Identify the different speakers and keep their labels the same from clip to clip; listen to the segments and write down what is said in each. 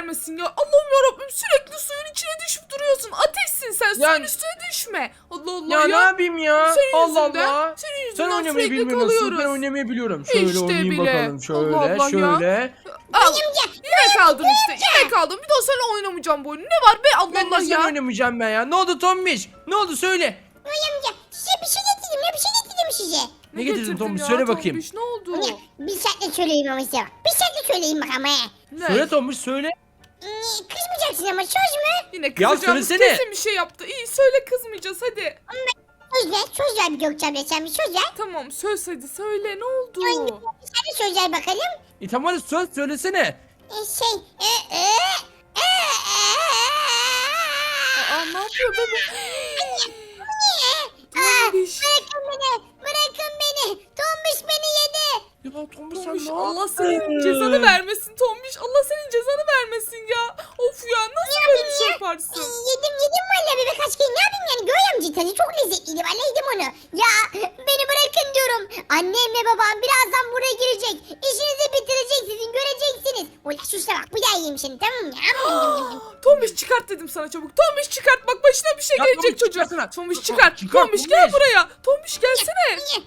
Speaker 1: vermesin ya. Allah'ım yarabbim, sürekli suyun içine düşüp duruyorsun. Ateşsin sen, suyun üstüne düşme. Allah Allah
Speaker 2: Ya ne yapayım ya?
Speaker 1: Senin
Speaker 2: Allah
Speaker 1: yüzünden,
Speaker 2: Allah.
Speaker 1: senin yüzünden
Speaker 2: Sen oynamayı
Speaker 1: sürekli
Speaker 2: bilmiyorsun.
Speaker 1: kalıyoruz.
Speaker 2: Ben oynamayı biliyorum. Şöyle
Speaker 1: İşte
Speaker 2: oynayayım
Speaker 1: bile.
Speaker 2: bakalım. Şöyle
Speaker 1: Allah Allah ya.
Speaker 2: şöyle.
Speaker 1: Al. Yine kaldın işte. Yine kaldın. Bir daha seninle oynamayacağım bu oyunu. Ne var be, Allah
Speaker 2: Ben
Speaker 1: Allah
Speaker 2: de sen
Speaker 1: ya.
Speaker 2: oynamayacağım ben ya. Ne oldu Tombiş? Ne oldu söyle.
Speaker 3: Noy amca size bir şey getirdim ya, bir şey getirdim size.
Speaker 2: Ne getirdin Tombiş?
Speaker 1: ya,
Speaker 2: Söyle bakayım.
Speaker 1: Tombiş, ne oldu?
Speaker 3: Ne? Bir saatte söyleyeyim ama size bak. Bir saatte söyleyeyim bak ama he.
Speaker 1: Ne?
Speaker 2: Söyle Tombiş söyle.
Speaker 3: Kızmayacaksın ama söz mü?
Speaker 1: Yine kızacağımız
Speaker 2: söylesene.
Speaker 1: kesin bir şey yaptı. İyi söyle, kızmayacağız hadi.
Speaker 3: Söz ver bir Gökçem'le, sen bir söz ver.
Speaker 1: Tamam söz, hadi söyle, ne oldu?
Speaker 3: Sen de söz ver bakalım.
Speaker 2: Tamam hadi söz söylesene.
Speaker 1: Aa, ne yapıyor bebe? Tombiş.
Speaker 3: Bırakın beni, bırakın beni. Tombiş beni yedi.
Speaker 2: Ya Tombiş sen
Speaker 1: Tombiş,
Speaker 2: ne
Speaker 1: Allah
Speaker 2: yaptın?
Speaker 1: senin cezanı vermesin Tombiş. Allah senin cezanı vermesin ya. Of ya, nasıl böyle bir şey yaparsın?
Speaker 3: Yedim valla bir birkaç kere, ne yapayım yani, Göğe amca tadı çok lezzetliydi, valla yedim onu. Ya beni bırakın diyorum. Annemle babam birazdan buraya girecek. İşinizi bitirecek, sizin göreceksiniz. Ulan sus da bak, bu da yiyeyim seni, tamam mı?
Speaker 1: Tombiş çıkart dedim sana çabuk. Tombiş çıkart, bak başına bir şey
Speaker 2: Ya
Speaker 1: gelecek
Speaker 2: Tombiş,
Speaker 1: çocuğa.
Speaker 2: çıkarsana.
Speaker 1: Tombiş çıkart.
Speaker 2: Çıkart,
Speaker 1: Tombiş gel
Speaker 2: Tombiş.
Speaker 1: buraya. Tombiş gelsene.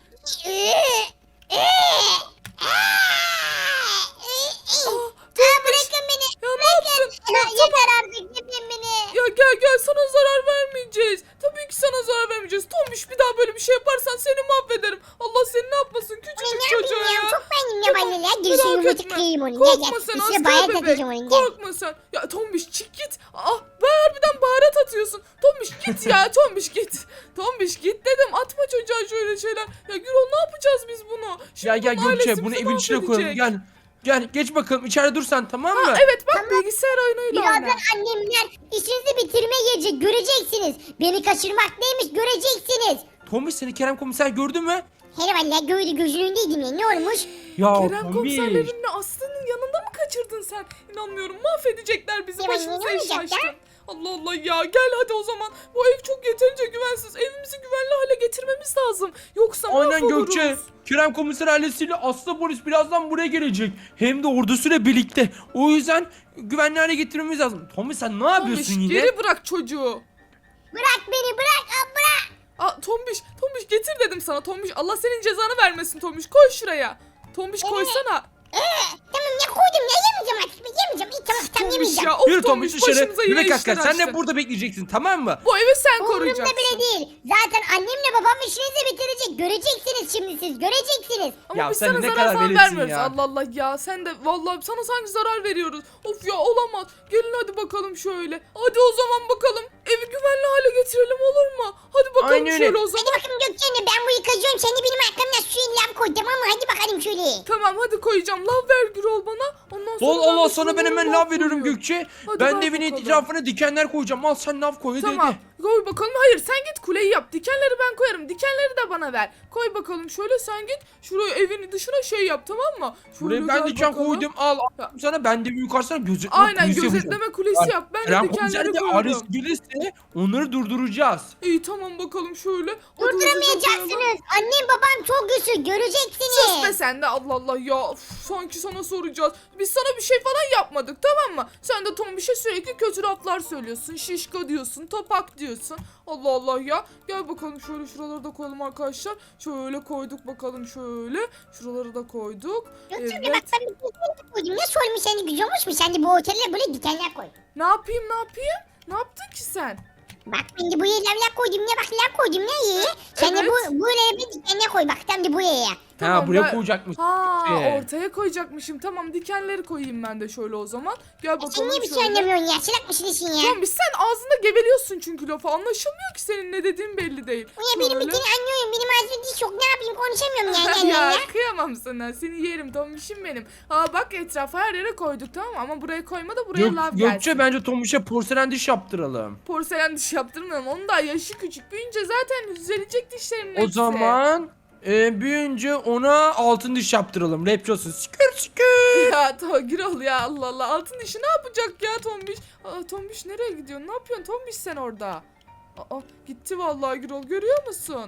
Speaker 3: Bırakın beni.
Speaker 1: Ya ne yaptın? Ya,
Speaker 3: Yeter artık, gidin beni.
Speaker 1: ya gel sana zarar vermeyeceğiz. Tabii ki sana zarar vermeyeceğiz. Tombiş, bir daha böyle bir şey yaparsan seni mahvederim. Allah seni ne yapmasın küçücük
Speaker 3: Ne
Speaker 1: çocuğa
Speaker 3: yapayım ya,
Speaker 1: ya.
Speaker 3: çok beğendim ya valla ya. Girişini
Speaker 1: Merak
Speaker 3: yumurta
Speaker 1: etme.
Speaker 3: kırayım onu.
Speaker 1: Korkma sen,
Speaker 3: İçine bayağı
Speaker 1: asker
Speaker 3: takacağım
Speaker 1: bebek.
Speaker 3: onu. Gel.
Speaker 1: Korkma sen. Ya Tombiş çık git. Harbiden baharat atıyorsun. Tombiş git ya, Tombiş git. Tombiş git dedim, atma çocuğa şöyle şeyler. Ya Gürol, ne yapacağız biz bunu? Şimdi
Speaker 2: Gel
Speaker 1: bunun
Speaker 2: Gökçe
Speaker 1: ailesi
Speaker 2: bunu
Speaker 1: bizi
Speaker 2: evin içine koyalım.
Speaker 1: mahvedecek.
Speaker 2: Gel geç bakalım içeride dur sen, tamam mı?
Speaker 1: Evet bak, bilgisayar oyunuyla oyna.
Speaker 3: Birazdan annemler işinizi bitirmeye gelecek, göreceksiniz. Beni kaçırmak neymiş göreceksiniz.
Speaker 2: Tombiş seni Kerem komiser gördü mü?
Speaker 3: Hele valla gördü, gözünün önündeydim ya, ne olmuş?
Speaker 2: Ya
Speaker 1: Kerem
Speaker 2: Tombiş.
Speaker 1: komiserlerinle Aslı'nın yanında mı kaçırdın sen? İnanmıyorum, mahvedecekler bizi,
Speaker 3: Ya
Speaker 1: başımıza
Speaker 3: ne
Speaker 1: iş
Speaker 3: olacak
Speaker 1: açtın.
Speaker 3: ya?
Speaker 1: Allah Allah ya, gel hadi o zaman. Bu ev çok yeterince güvensiz. Evimizi güvenli hale getirmemiz lazım. Yoksa
Speaker 2: Aynen
Speaker 1: mahvoluruz.
Speaker 2: Gökçe. Kerem komiser ailesiyle Aslı polis birazdan buraya gelecek. Hem de ordusuyla birlikte. O yüzden güvenli hale getirmemiz lazım. Tombiş sen ne yapıyorsun
Speaker 1: Tombiş,
Speaker 2: yine?
Speaker 1: geri bırak çocuğu.
Speaker 3: Bırak beni, bırak, bırak.
Speaker 1: Tombiş getir dedim sana. Tombiş, Allah senin cezanı vermesin Tombiş. Koy şuraya. Tombiş koysana.
Speaker 3: Tamam ya, koydum ya, yemeyeceğim artık, yemeyeceğim. İyi tamam,
Speaker 1: Tombiş
Speaker 3: yemeyeceğim.
Speaker 1: ya. Of
Speaker 2: Yürü Tombiş dışarı.
Speaker 1: başımıza yine
Speaker 2: Bebek
Speaker 1: işler
Speaker 2: asker sen de
Speaker 1: açtın.
Speaker 2: burada bekleyeceksin, tamam mı?
Speaker 1: Bu evi sen
Speaker 3: Umurumda
Speaker 1: koruyacaksın.
Speaker 3: bile değil. Zaten annemle babam işinizi bitirecek. Göreceksiniz şimdi siz, göreceksiniz.
Speaker 1: Ama
Speaker 2: Ya
Speaker 1: biz
Speaker 2: sen
Speaker 1: sana
Speaker 2: ne
Speaker 1: zarar
Speaker 2: kadar
Speaker 1: falan
Speaker 2: veletsin
Speaker 1: vermiyoruz.
Speaker 2: ya.
Speaker 1: Allah Allah ya, sen de vallahi sana sanki zarar veriyoruz. Of ya, olamaz. Gelin hadi bakalım şöyle. Hadi o zaman bakalım. Evi güvenli hale getirelim, olur mu? Hadi bakalım
Speaker 2: Aynen öyle.
Speaker 1: şöyle o zaman.
Speaker 3: Hadi bakalım Gökçen'le, ben bu yıkacağım. Sen de benim arkamdan suyun lav koy, tamam mı? Hadi bakalım şöyle.
Speaker 1: Tamam hadi koyacağım. Lav ver Gürol bana. Ondan sonra
Speaker 2: Allah
Speaker 1: de
Speaker 2: sana ben
Speaker 1: şuraları
Speaker 2: hemen
Speaker 1: lav
Speaker 2: lav veriyorum
Speaker 1: koyuyorum.
Speaker 2: Gökçe.
Speaker 1: Hadi
Speaker 2: Ben
Speaker 1: ver
Speaker 2: de evin
Speaker 1: bakalım.
Speaker 2: etrafına dikenler koyacağım. Al sen lav koy hadi
Speaker 1: Tamam.
Speaker 2: hadi.
Speaker 1: Koy bakalım. Hayır, sen git kuleyi yap. Dikenleri ben koyarım. Dikenleri de bana ver. Koy bakalım şöyle, sen git. Şuraya evin dışına şey yap, tamam mı? Şöyle
Speaker 2: Buraya ben
Speaker 1: gel
Speaker 2: diken
Speaker 1: bakalım.
Speaker 2: koydum. Al
Speaker 1: Ya.
Speaker 2: sana, ben de bir yukarısına gözetleme
Speaker 1: Aynen,
Speaker 2: kulesi yapacağım.
Speaker 1: gözetleme kulesi yap. Ben de
Speaker 2: Kerem
Speaker 1: dikenleri
Speaker 2: komiser de
Speaker 1: koyuyorum.
Speaker 2: Ares gelirse onları durduracağız.
Speaker 1: İyi tamam bakalım şöyle. Hadi hızlıca koyalım.
Speaker 3: Durduramayacaksınız. Annem babam çok güçlü,
Speaker 1: Sus be
Speaker 3: göreceksiniz.
Speaker 1: sen de, Allah Allah ya. Uf, sanki sana soracağız. Biz sana bir şey falan yapmadık, tamam mı? Sen de Tombiş'e sürekli kötü laflar söylüyorsun. Şişko diyorsun, topak diyorsun. Allah Allah ya. Gel bakalım şöyle, şuraları da koyalım arkadaşlar. Şöyle koyduk bakalım şöyle. Şuraları da koyduk.
Speaker 3: Gökçen'le
Speaker 1: Evet.
Speaker 3: bak, ben bir dikenler koydum. Nasıl olmuş, seni güzel olmuş mu? Sen de bu otele böyle dikenler koy.
Speaker 1: Ne yapayım? Ne yaptın ki sen?
Speaker 3: Bak ben de buraya lavlar koydum ne, bak lav koydum ne iyi. Sen de
Speaker 1: Evet.
Speaker 3: buraya bir dikenler koy, bak tam da buraya.
Speaker 2: Ha buraya
Speaker 1: ben-
Speaker 2: koyacakmış.
Speaker 1: Ha,
Speaker 2: Şey.
Speaker 1: ortaya koyacakmışım. Tamam, dikenleri koyayım ben de şöyle o zaman. Gel bakalım
Speaker 3: Sen niye bir şey
Speaker 1: şöyle.
Speaker 3: anlamıyorsun ya? Çılak mısın işin ya?
Speaker 1: Tombiş, sen ağzında geveliyorsun çünkü lafı. Anlaşılmıyor ki senin ne dediğin, belli değil.
Speaker 3: Ya benim
Speaker 1: Şöyle.
Speaker 3: bütün anlıyorum. Benim ağzımda diş yok. Ne yapayım, konuşamıyorum ya.
Speaker 1: Ya kıyamam sana. Seni yerim Tombiş'im benim. Aa bak, etrafa her yere koyduk, tamam mı? Ama buraya koyma da buraya lav gelsin.
Speaker 2: Gökçe bence Tombiş'e porselen diş yaptıralım.
Speaker 1: Porselen diş yaptırmayalım. Onun da yaşı küçük. Büyünce zaten düzelecek dişlerinin
Speaker 2: O
Speaker 1: hepsi.
Speaker 2: zaman büyüyünce ona altın diş yaptıralım. Rapçi olsun. Skür skür.
Speaker 1: Ya Gürol ya, Allah Allah. Altın dişi ne yapacak ya Tombiş? Aa, Tombiş nereye gidiyorsun? Ne yapıyorsun Tombiş sen orada? Aa, gitti vallahi Gürol, görüyor musun?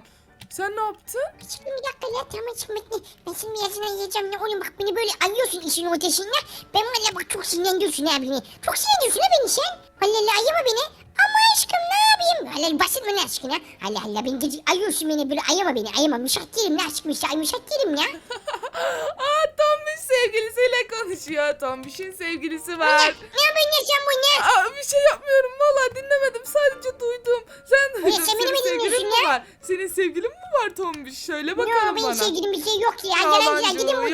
Speaker 1: Sen ne yaptın?
Speaker 3: Şimdi bir dakika ya tamam şimdi bekle. Ben şimdi yazına yiyeceğim ya oğlum bak beni böyle ayıyorsun işin ortasında. Ben valla bak çok sinirlendiriyorsun ha beni. Çok sinirlendiriyorsun ha beni sen. Allah Allah ayama beni. Ama aşkım ne yapayım? Allah basit mi ne aşkına? Allah Allah beni gece ayıyorsun beni böyle ayama beni ayama. Müşak değilim ne aşkım işte müşak değilim ya.
Speaker 1: Aa Tombiş sevgilisiyle konuşuyor. Tombiş'in sevgilisi var.
Speaker 3: Ne yapıyorsun ya sen bu ne?
Speaker 1: Aa, bir şey yapmıyorum valla dinlemedim sadece duydum. Sen duydun.
Speaker 3: sen beni mi
Speaker 1: Senin
Speaker 3: dinliyorsun
Speaker 1: sevgilin mi
Speaker 3: ya?
Speaker 1: var? Senin sevgilin mi var Tombiş? Söyle
Speaker 3: Yok
Speaker 1: bakalım
Speaker 3: benim
Speaker 1: bana.
Speaker 3: sevgilim bir şey yok ya. Yalancılar gidin buradan be.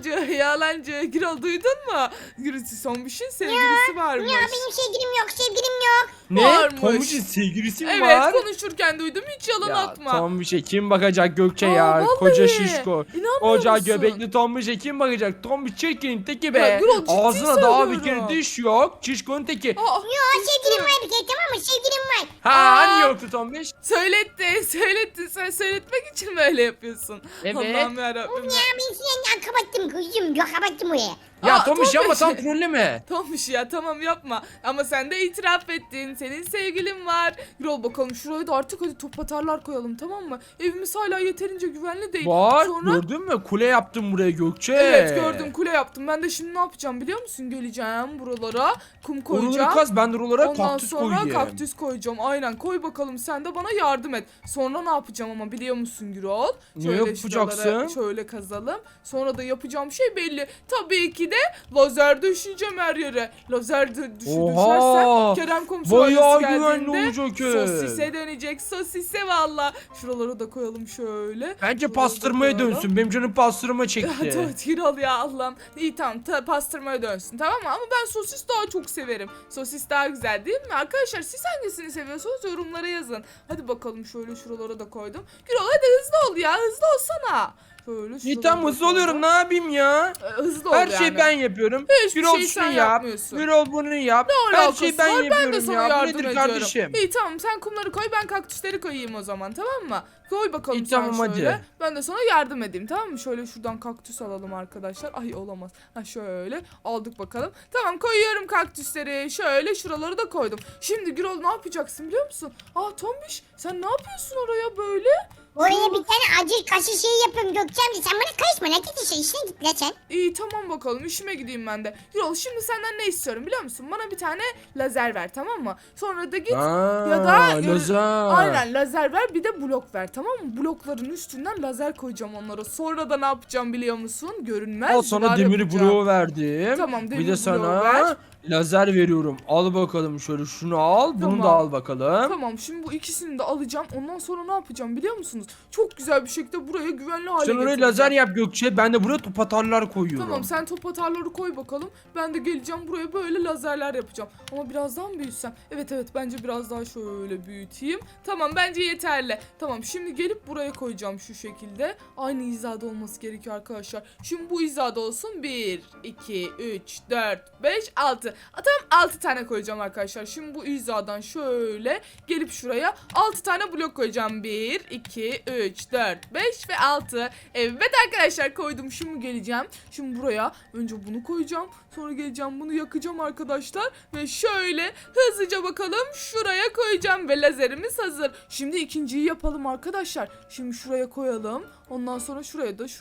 Speaker 1: Yalancı. Gürol duydun mu? Tombiş'in sevgilisi varmış.
Speaker 3: Ya benim sevgilim yok sevgilim yok.
Speaker 2: Ne?
Speaker 1: Varmış.
Speaker 2: Tombiş'in sevgilisi mi
Speaker 1: Evet
Speaker 2: var?
Speaker 1: konuşurken duydum hiç yalan
Speaker 2: Ya
Speaker 1: atma.
Speaker 2: Tombiş'e kim bakacak Gökçe
Speaker 1: Aa,
Speaker 2: ya?
Speaker 1: vallahi.
Speaker 2: Koca şişko.
Speaker 1: İnanmıyor
Speaker 2: Koca
Speaker 1: musun?
Speaker 2: göbekli Tombiş'e kim bakacak? Tombiş çirkin teki be.
Speaker 1: Ya Gürol, ciddi
Speaker 2: Ağzına daha bir
Speaker 1: söylüyorum.
Speaker 2: kere diş yok. Şişkonun teki.
Speaker 1: Aa,
Speaker 3: Yok sevgilim var bir kere tamam mı sevgilim var.
Speaker 2: Ha
Speaker 1: Aa.
Speaker 2: hani yoktu Tombiş?
Speaker 1: Söyletti. Sen söyletmek için mi öyle yapıyorsun?
Speaker 2: Evet.
Speaker 1: Allah'ım yarabbim.
Speaker 3: Ya ben seni kapattım kızım yok kapattım oraya.
Speaker 2: Ya
Speaker 1: Aa,
Speaker 2: Tombiş yapma
Speaker 1: Tombiş.
Speaker 2: tam trolleme.
Speaker 1: Tombiş ya tamam yapma. Ama sen de itiraf ettin. Senin sevgilin var. Yürü bakalım şuraya da artık hadi top atarlar koyalım tamam mı? Evimiz hala yeterince güvenli değil.
Speaker 2: Bak
Speaker 1: Sonra...
Speaker 2: gördün mü? Kule yaptım buraya Gökçe.
Speaker 1: Evet gördüm kule yaptım. Ben de şimdi ne yapacağım biliyor musun? Geleceğim buralara kum koyacağım.
Speaker 2: Oraları kaz ben de oralara
Speaker 1: Ondan
Speaker 2: kaktüs
Speaker 1: sonra
Speaker 2: koyayım.
Speaker 1: kaktüs koyacağım. Aynen koy bakalım sen de bana yardım et. Sonra ne yapacağım ama biliyor musun Gürol?
Speaker 2: Ne yapacaksın?
Speaker 1: şuraları şöyle kazalım. Sonra da yapacağım şey belli. Tabii ki de lazer düşeceğim her yere. Lazer düşersen Kerem komiser
Speaker 2: Bayağı
Speaker 1: ailesi
Speaker 2: güvenli
Speaker 1: geldiğinde
Speaker 2: olacak ev.
Speaker 1: sosise dönecek. Sosise valla. Şuraları da koyalım şöyle.
Speaker 2: Bence
Speaker 1: Şuraları da
Speaker 2: pastırmaya
Speaker 1: koyalım.
Speaker 2: dönsün. Benim canım pastırma çekti.
Speaker 1: Evet Gürol ya Allah'ım. İyi tamam pastırmaya dönsün tamam mı? Ama ben sosis daha çok severim. Sosis daha güzel değil mi? Arkadaşlar siz hangisini seviyorsunuz yorumlara yazın. Hadi bakalım şöyle şuralara da koydum. Gürol hadi hızlı ol ya hızlı olsana. Şöyle
Speaker 2: İyi
Speaker 1: şuralara
Speaker 2: tamam
Speaker 1: da
Speaker 2: hızlı oluyorum ne
Speaker 1: koydum.
Speaker 2: yapayım ya?
Speaker 1: Hızlı ol
Speaker 2: Her
Speaker 1: yani.
Speaker 2: şeyi ben yapıyorum.
Speaker 1: Hiçbir
Speaker 2: Birol
Speaker 1: şey
Speaker 2: şunu
Speaker 1: sen
Speaker 2: yap.
Speaker 1: yapmıyorsun.
Speaker 2: Birol bunu yap.
Speaker 1: Ne
Speaker 2: Her
Speaker 1: alakası
Speaker 2: şeyi ben
Speaker 1: var? Ben de
Speaker 2: yapıyorum
Speaker 1: sana
Speaker 2: ya. Bu
Speaker 1: yardım
Speaker 2: nedir
Speaker 1: ediyorum.
Speaker 2: kardeşim?
Speaker 1: İyi tamam sen kumları koy ben kaktüsleri koyayım o zaman tamam mı? Koy bakalım
Speaker 2: İyi,
Speaker 1: sen
Speaker 2: tamam,
Speaker 1: şöyle.
Speaker 2: hadi.
Speaker 1: Ben de sana yardım edeyim tamam mı? Şöyle şuradan kaktüs alalım arkadaşlar. Ay olamaz. Ha şöyle aldık bakalım. Tamam koyuyorum kaktüsleri. Şöyle şuraları da koydum. Şimdi Gürol ne yapacaksın biliyor musun? Aa Tombiş sen ne yapıyorsun oraya böyle?
Speaker 3: Oraya bir tane acil kaşı şey yapıyorum Gökçem'de sen bana karışma ne git işe işine git la sen.
Speaker 1: İyi tamam bakalım işime gideyim ben de. Gürol şimdi senden ne istiyorum biliyor musun? Bana bir tane lazer ver tamam mı? sonra da git ya da
Speaker 2: lazer.
Speaker 1: aynen lazer ver bir de blok ver tamam mı? Blokların üstünden lazer koyacağım onlara. Sonra da ne yapacağım biliyor musun? Görünmez
Speaker 2: Al sana
Speaker 1: duvar
Speaker 2: demiri
Speaker 1: yapacağım.
Speaker 2: bloğu verdim.
Speaker 1: Tamam,
Speaker 2: Bir
Speaker 1: demir
Speaker 2: de
Speaker 1: bloğu
Speaker 2: sana
Speaker 1: ver.
Speaker 2: lazer veriyorum. Al bakalım şöyle şunu al. Bunu
Speaker 1: Tamam.
Speaker 2: da al bakalım.
Speaker 1: Tamam şimdi bu ikisini de alacağım. Ondan sonra ne yapacağım biliyor musunuz? Çok güzel bir şekilde buraya güvenli hale
Speaker 2: Sen oraya
Speaker 1: getireceğim.
Speaker 2: lazer yap Gökçe. Ben de buraya top atarlar koyuyorum.
Speaker 1: Tamam sen top atarları koy bakalım. Ben de geleceğim buraya böyle lazerler yapacağım. Ama biraz daha mı büyütsem? Evet bence biraz daha şöyle büyüteyim. Tamam bence yeterli. Tamam şimdi gelip buraya koyacağım şu şekilde. Aynı hizada olması gerekiyor arkadaşlar. Şimdi bu hizada olsun. 1, 2, 3, 4, 5, 6. Tamam 6 tane koyacağım arkadaşlar. Şimdi bu hizadan şöyle gelip şuraya 6 tane blok koyacağım. 1, 2, 3, 4, 5 ve 6. Evet arkadaşlar koydum. Şimdi geleceğim. Şimdi buraya önce bunu koyacağım. Sonra geleceğim bunu yakacağım arkadaşlar. Ve şöyle hızlıca bakalım şuraya koyacağım. Ve lazerimiz hazır. Şimdi ikinciyi yapalım arkadaşlar. Şimdi şuraya koyalım. Ondan sonra şuraya da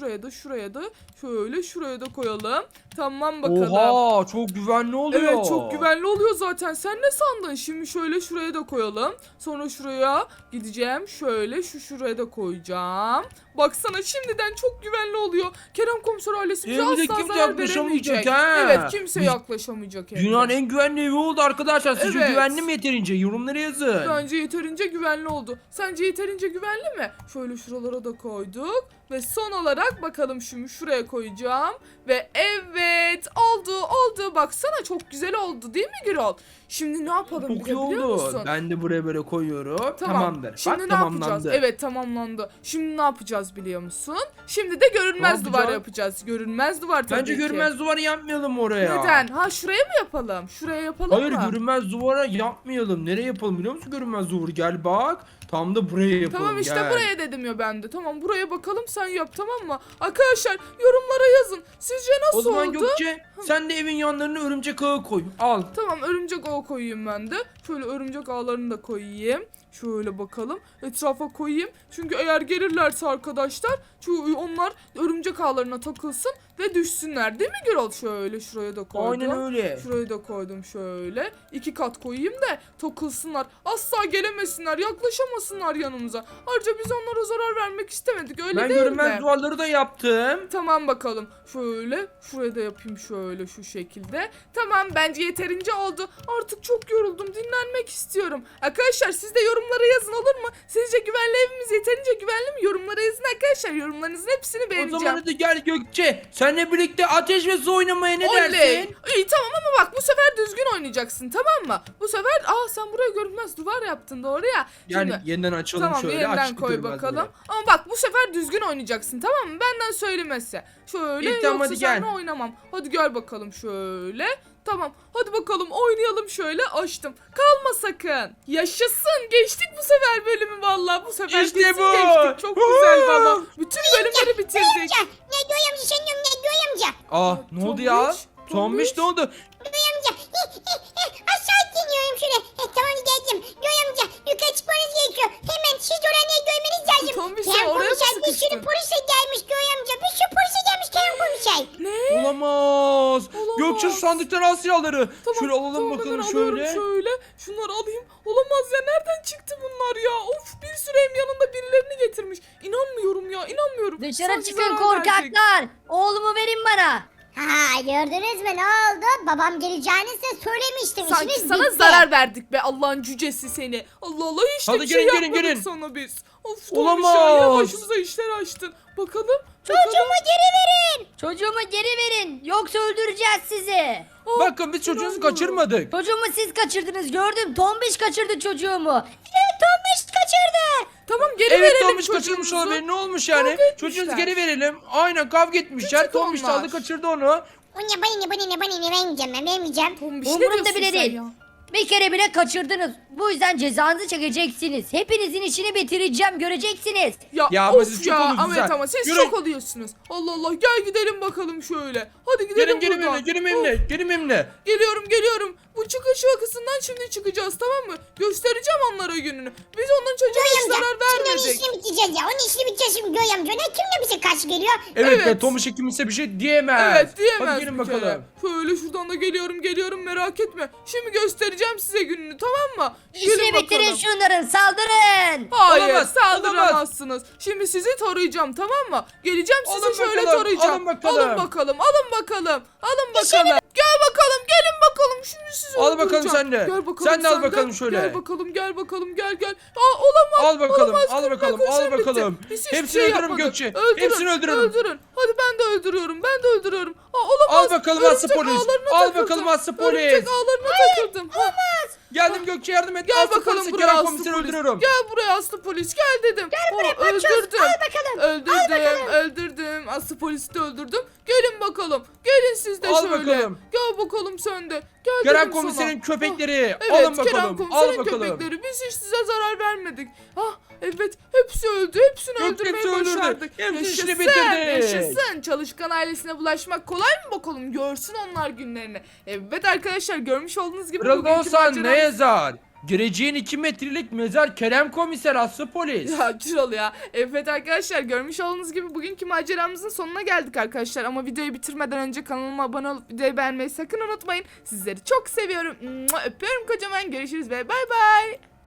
Speaker 1: şöyle şuraya da koyalım. Tamam bakalım.
Speaker 2: Oha çok güvenli oluyor.
Speaker 1: Evet çok güvenli oluyor zaten. Sen ne sandın? Şimdi şöyle şuraya da koyalım. Sonra şuraya gideceğim. Şöyle şuraya da koyacağım. Baksana şimdiden çok güvenli oluyor. Kerem komiser ailesi bize
Speaker 2: Evimize
Speaker 1: asla
Speaker 2: kimse
Speaker 1: zarar
Speaker 2: yaklaşamayacak
Speaker 1: veremeyecek.
Speaker 2: ha.
Speaker 1: Evet kimse
Speaker 2: Biz-
Speaker 1: yaklaşamayacak. evde.
Speaker 2: Dünyanın en güvenli evi oldu arkadaşlar. Sizce
Speaker 1: Evet.
Speaker 2: güvenli mi yeterince? Yorumlara yazın.
Speaker 1: Bence yeterince güvenli oldu. Sence yeterince güvenli mi? Şöyle şuralara da koyduk. Ve son olarak bakalım şimdi şuraya koyacağım. Ve evet oldu. Baksana çok güzel oldu değil mi Gürol? Şimdi ne yapalım
Speaker 2: Çok
Speaker 1: bir de
Speaker 2: iyi
Speaker 1: biliyor
Speaker 2: oldu.
Speaker 1: musun?
Speaker 2: Ben de buraya böyle koyuyorum.
Speaker 1: Tamam.
Speaker 2: Tamamdır.
Speaker 1: Şimdi
Speaker 2: Bak
Speaker 1: ne yapacağız?
Speaker 2: tamamlandı.
Speaker 1: Evet tamamlandı. Şimdi ne yapacağız biliyor musun? Şimdi de görünmez
Speaker 2: Ne
Speaker 1: duvar
Speaker 2: yapacağız?
Speaker 1: yapacağız. Görünmez duvar tabii
Speaker 2: Bence
Speaker 1: ki.
Speaker 2: görünmez duvar yapmayalım oraya.
Speaker 1: Neden? Ha şuraya mı yapalım? Şuraya yapalım
Speaker 2: Hayır
Speaker 1: mı?
Speaker 2: görünmez duvara yapmayalım. Nereye yapalım biliyor musun görünmez duvarı? Gel bak. Tam da buraya yapalım.
Speaker 1: Tamam işte
Speaker 2: gel.
Speaker 1: buraya dedim ya ben de. Tamam buraya bakalım sen yap tamam mı? Arkadaşlar yorumlara yazın. Sizce
Speaker 2: O
Speaker 1: nasıl
Speaker 2: zaman
Speaker 1: oldu?
Speaker 2: Gökçe sen de evin yanlarına örümcek ağı koy. Al.
Speaker 1: Tamam örümcek ağı koyayım ben de. Şöyle örümcek ağlarını da koyayım. Şöyle bakalım. Etrafa koyayım. Çünkü eğer gelirlerse arkadaşlar onlar örümcek ağlarına takılsın ve düşsünler. Değil mi Gürol? Şöyle şuraya da koydum.
Speaker 2: Aynen öyle.
Speaker 1: Şurayı da koydum şöyle. 2 kat koyayım da takılsınlar. Asla gelemesinler. Yaklaşamasınlar yanımıza. Ayrıca biz onlara zarar vermek istemedik. Öyle
Speaker 2: Ben
Speaker 1: değil
Speaker 2: görünmez
Speaker 1: mi?
Speaker 2: duvarları da yaptım.
Speaker 1: Tamam bakalım. Şöyle şuraya da yapayım şöyle şu şekilde. Tamam bence yeterince oldu. Artık çok yoruldum. Dinlenmek istiyorum. Arkadaşlar siz de yorumlara yazın olur mu? Sizce güvenli evimiz yeterince güvenli mi? Yorumlara yazın arkadaşlar. Yorumlarınızın hepsini
Speaker 2: O
Speaker 1: beğeneceğim.
Speaker 2: zaman hadi gel Gökçe. Seninle birlikte ateş ve su oynamaya ne
Speaker 1: Oley.
Speaker 2: dersin?
Speaker 1: İyi tamam ama bak bu sefer düzgün oynayacaksın tamam mı? Bu sefer sen buraya görünmez duvar yaptın doğru ya.
Speaker 2: Yani
Speaker 1: Şimdi,
Speaker 2: yeniden açalım
Speaker 1: tamam
Speaker 2: şöyle.
Speaker 1: yeniden
Speaker 2: açtık
Speaker 1: koy
Speaker 2: görünmez
Speaker 1: bakalım.
Speaker 2: buraya.
Speaker 1: Ama bak bu sefer düzgün oynayacaksın tamam mı? Benden söylemesi. Şöyle
Speaker 2: İyi, tamam,
Speaker 1: yoksa
Speaker 2: hadi gel.
Speaker 1: seninle oynamam. Hadi gel bakalım şöyle. Tamam hadi bakalım oynayalım şöyle açtım. Kalma sakın. Yaşasın geçtik bu sefer bölümü vallahi bu sefer
Speaker 2: İşte
Speaker 1: kesin
Speaker 2: bu.
Speaker 1: geçtik. Çok güzel valla. Bütün bölümleri bitirdik.
Speaker 3: Amca. Ne Göğe amca sen diyorum ne Göğe amca.
Speaker 2: Aa ne oldu ya?
Speaker 1: Tombiş,
Speaker 2: Tombiş ne oldu?
Speaker 3: Göğe amca. Aşağı iniyorum şöyle. Tamam geldim. Göğe amca yukarı çıkmanız gerekiyor. Hemen siz oraya görmeniz lazım.
Speaker 1: Tombiş, sen
Speaker 3: Kerem
Speaker 1: oraya mı
Speaker 3: komiser bir sürü
Speaker 1: sıkıştın?
Speaker 3: polise gelmiş Göğe amca. Bir sürü polise gelmiş Kerem komiser.
Speaker 1: Ne?
Speaker 2: Olamaz.
Speaker 1: Olamaz.
Speaker 2: Gökçe şu sandıktan al silahları. Şöyle alalım
Speaker 1: tamam,
Speaker 2: bakalım
Speaker 1: hemen alıyorum
Speaker 2: şöyle.
Speaker 1: şöyle. Şunları alayım. Olamaz ya nereden çıktı bunlar ya? Of bir sürü hem yanında birilerini getirmiş. İnanmıyorum ya inanmıyorum.
Speaker 4: Dışarı
Speaker 1: Sanki
Speaker 4: çıkın
Speaker 1: zarar verecek.
Speaker 4: korkaklar. Oğlumu verin bana.
Speaker 3: Ha gördünüz mü ne oldu? Babam geleceğini size söylemiştim.
Speaker 1: Sanki
Speaker 3: İşiniz
Speaker 1: sana
Speaker 3: bitti.
Speaker 1: zarar verdik be Allah'ın cücesi seni. Allah Allah hiç de
Speaker 2: Hadi
Speaker 1: bir şey
Speaker 2: gelin, gelin,
Speaker 1: yapmadık
Speaker 2: gelin.
Speaker 1: sana biz. Of
Speaker 2: Olamaz.
Speaker 1: Tombiş ya yine başımıza işler açtın. Bakalım.
Speaker 3: Çocuğumu geri verin.
Speaker 4: Çocuğumu geri verin. Yoksa öldüreceğiz sizi.
Speaker 2: Bakın biz çocuğunuzu
Speaker 1: inanmıyorum.
Speaker 2: kaçırmadık.
Speaker 4: Çocuğumu siz kaçırdınız gördüm. Tombiş kaçırdı çocuğumu. Evet Tombiş kaçırdı.
Speaker 1: Tamam geri
Speaker 2: Evet
Speaker 1: verelim
Speaker 2: Tombiş kaçırmış
Speaker 1: çocuğumuzu.
Speaker 2: olabilir. Ne olmuş yani?
Speaker 1: Kavga etmişler.
Speaker 2: Çocuğunuzu geri verelim. Aynen kavga etmişler.
Speaker 1: Küçük
Speaker 2: Tombiş
Speaker 1: onlar.
Speaker 2: çaldı kaçırdı onu.
Speaker 3: O ne bana ne vermeyeceğim ben vermeyeceğim.
Speaker 1: Tombiş ne
Speaker 4: Umurumda
Speaker 1: diyorsun
Speaker 4: bile
Speaker 1: sen
Speaker 4: değil.
Speaker 1: ya?
Speaker 4: Bir kere bile kaçırdınız. Bu yüzden cezanızı çekeceksiniz. Hepinizin işini bitireceğim göreceksiniz.
Speaker 2: Ya,
Speaker 1: of
Speaker 2: siz
Speaker 1: ya
Speaker 2: çok olursunuz
Speaker 1: Ahmet
Speaker 2: ha.
Speaker 1: ama siz
Speaker 2: Yürü.
Speaker 1: çok oluyorsunuz. Allah Allah gel gidelim bakalım şöyle. Hadi gidelim
Speaker 2: Gelin
Speaker 1: buradan.
Speaker 2: gelin
Speaker 1: Of,
Speaker 2: benimle. Gelin benimle.
Speaker 1: Geliyorum. Bu çıkış vakasından şimdi çıkacağız tamam mı? Göstereceğim onlara gününü. Biz onların çocuğuna hiç
Speaker 3: Göğe amca.
Speaker 1: zarar
Speaker 3: Şimdi onun
Speaker 1: vermedik.
Speaker 3: işini bitireceğiz ya. Onun işini bitireceğiz şimdi Göğe amca. Ne kimle bize karşı geliyor?
Speaker 2: Evet,
Speaker 1: Evet.
Speaker 2: Tombiş kimse bir şey diyemez.
Speaker 1: Evet diyemez
Speaker 2: Hadi gelin
Speaker 1: bir kere.
Speaker 2: bakalım.
Speaker 1: Şöyle şuradan da geliyorum merak etme. Şimdi göstereceğim size gününü tamam mı?
Speaker 4: İşini
Speaker 1: Gelin
Speaker 4: bitirin
Speaker 1: bakalım.
Speaker 4: şunların saldırın.
Speaker 1: Hayır
Speaker 2: Olamaz,
Speaker 1: saldıramazsınız. Şimdi sizi tarayacağım tamam mı? Geleceğim sizi
Speaker 2: Alın
Speaker 1: şöyle
Speaker 2: bakalım,
Speaker 1: tarayacağım.
Speaker 2: alın bakalım.
Speaker 1: Alın bakalım. Gel bakalım gelin bakalım. Şimdi sizi
Speaker 2: Al bakalım
Speaker 1: öldüreceğim.
Speaker 2: sen de.
Speaker 1: Gel bakalım
Speaker 2: Sen de al bakalım şöyle.
Speaker 1: Gel bakalım gel. Aa olamaz.
Speaker 2: Al bakalım,
Speaker 1: olamaz.
Speaker 2: al bakalım,
Speaker 1: Kırmızı
Speaker 2: al
Speaker 1: bitti.
Speaker 2: bakalım.
Speaker 1: Biz hiçbir
Speaker 2: Hepsini
Speaker 1: şey
Speaker 2: öldürürüm
Speaker 1: yapmadık.
Speaker 2: Gökçe.
Speaker 1: Öldürün,
Speaker 2: Hepsini öldürürüm.
Speaker 1: Öldürün. Hadi ben de öldürüyorum. Aa olamaz.
Speaker 2: Al bakalım
Speaker 1: Örümcek
Speaker 2: aslı polis.
Speaker 1: ağlarına
Speaker 2: Al
Speaker 1: takıldım.
Speaker 2: bakalım aslı polis.
Speaker 1: Örümcek ağlarına takıldım. Olmaz.
Speaker 2: Geldim Gökçe yardım et.
Speaker 1: Gel
Speaker 2: Aslı
Speaker 1: bakalım
Speaker 2: polisi,
Speaker 1: buraya
Speaker 2: Kerem
Speaker 1: aslı
Speaker 2: komiseri
Speaker 1: polis.
Speaker 2: öldürüyorum.
Speaker 1: Gel buraya aslı polis. Gel dedim. Gel buraya öldürdüm.
Speaker 3: Al bakalım.
Speaker 1: Öldürdüm. Aslı polisi de öldürdüm. Gelin bakalım. Gelin siz de
Speaker 2: Al
Speaker 1: şöyle.
Speaker 2: bakalım.
Speaker 1: Gel bakalım sen de. Gel
Speaker 2: Kerem
Speaker 1: dedim
Speaker 2: komiserin
Speaker 1: sana.
Speaker 2: köpekleri.
Speaker 1: Evet
Speaker 2: Alın
Speaker 1: Kerem
Speaker 2: bakalım. Al
Speaker 1: komiserin
Speaker 2: bakalım.
Speaker 1: köpekleri. Biz hiç size zarar vermedik. Evet hepsi öldü. Hepsini
Speaker 2: Yok,
Speaker 1: öldürmeyi
Speaker 2: hepsi öldürdü.
Speaker 1: başardık.
Speaker 2: Hepsi işini
Speaker 1: Yaşasın.
Speaker 2: bitirdik.
Speaker 1: Yaşasın. Çalışkan ailesine bulaşmak kolay mı bakalım? Görsün onlar günlerini. Evet arkadaşlar görmüş olduğunuz gibi
Speaker 2: Kırıldı
Speaker 1: bugünkü
Speaker 2: olsan ne
Speaker 1: maceramız-
Speaker 2: yazar? Gireceğin 2 metrelik mezar Kerem komiser aslı polis.
Speaker 1: Ya Kral ya. Evet arkadaşlar görmüş olduğunuz gibi bugünkü maceramızın sonuna geldik arkadaşlar. Ama videoyu bitirmeden önce kanalıma abone olup videoyu beğenmeyi sakın unutmayın. Sizleri çok seviyorum. Öpüyorum kocaman. Görüşürüz ve bay bay.